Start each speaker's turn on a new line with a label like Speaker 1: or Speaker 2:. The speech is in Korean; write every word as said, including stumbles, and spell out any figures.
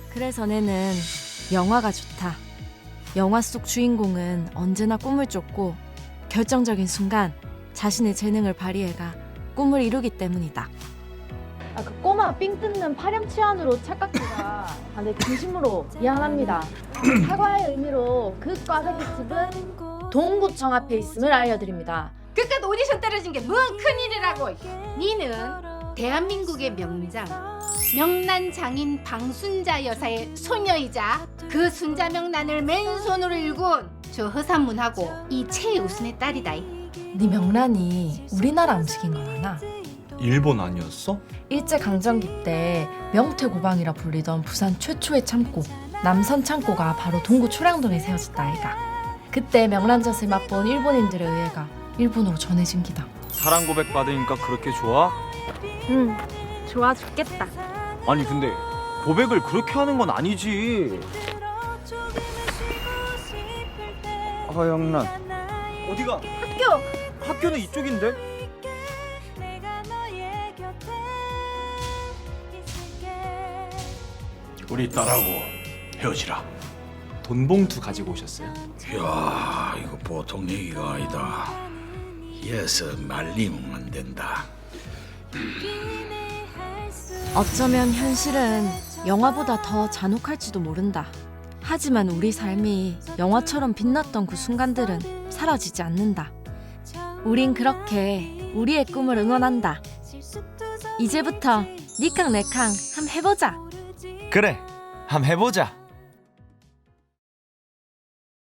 Speaker 1: 그래서 내는 영화가 좋다. 영화 속 주인공은 언제나 꿈을 쫓고 결정적인 순간 자신의 재능을 발휘해가 꿈을 이루기 때문이다.
Speaker 2: 아, 그 꼬마 삥 뜯는 파렴치한으로 착각해가 아, 네, 진심으로 미안합니다. 사과의 의미로 그 꽈배기집은 동구청 앞에 있음을 알려드립니다.
Speaker 3: 그깟 오디션 떨어진 게 뭔 큰일이라고. 니는 대한민국의 명장 명란 장인 방순자 여사의 소녀이자 그 순자 명란을 맨손으로 일군 저 허산문하고 이 최우순의 딸이다.
Speaker 2: 네 명란이 우리나라 음식인 거 아나?
Speaker 4: 일본 아니었어?
Speaker 2: 일제강점기 때 명태고방이라 불리던 부산 최초의 창고 남선 창고가 바로 동구 초량동에 세워졌다 아이가. 그때 명란젓을 맛본 일본인들에 의해가 일본으로 전해진 기다.
Speaker 4: 사랑 고백 받으니까 그렇게 좋아?
Speaker 1: 응, 좋아 죽겠다.
Speaker 4: 아니 근데 고백을 그렇게 하는 건 아니지. 허영란 어디가?
Speaker 1: 학교!
Speaker 4: 학교는 이쪽인데?
Speaker 5: 우리 딸하고 헤어지라.
Speaker 4: 돈 봉투 가지고 오셨어요?
Speaker 5: 이야, 이거 보통 얘기가 아니다. 예서 말리면 안 된다.
Speaker 1: 어쩌면 현실은 영화보다 더 잔혹할지도 모른다. 하지만 우리 삶이 영화처럼 빛났던 그 순간들은 사라지지 않는다. 우린 그렇게 우리의 꿈을 응원한다. 이제부터 니캉 내캉 함 해보자.
Speaker 4: 그래, 한번 해보자.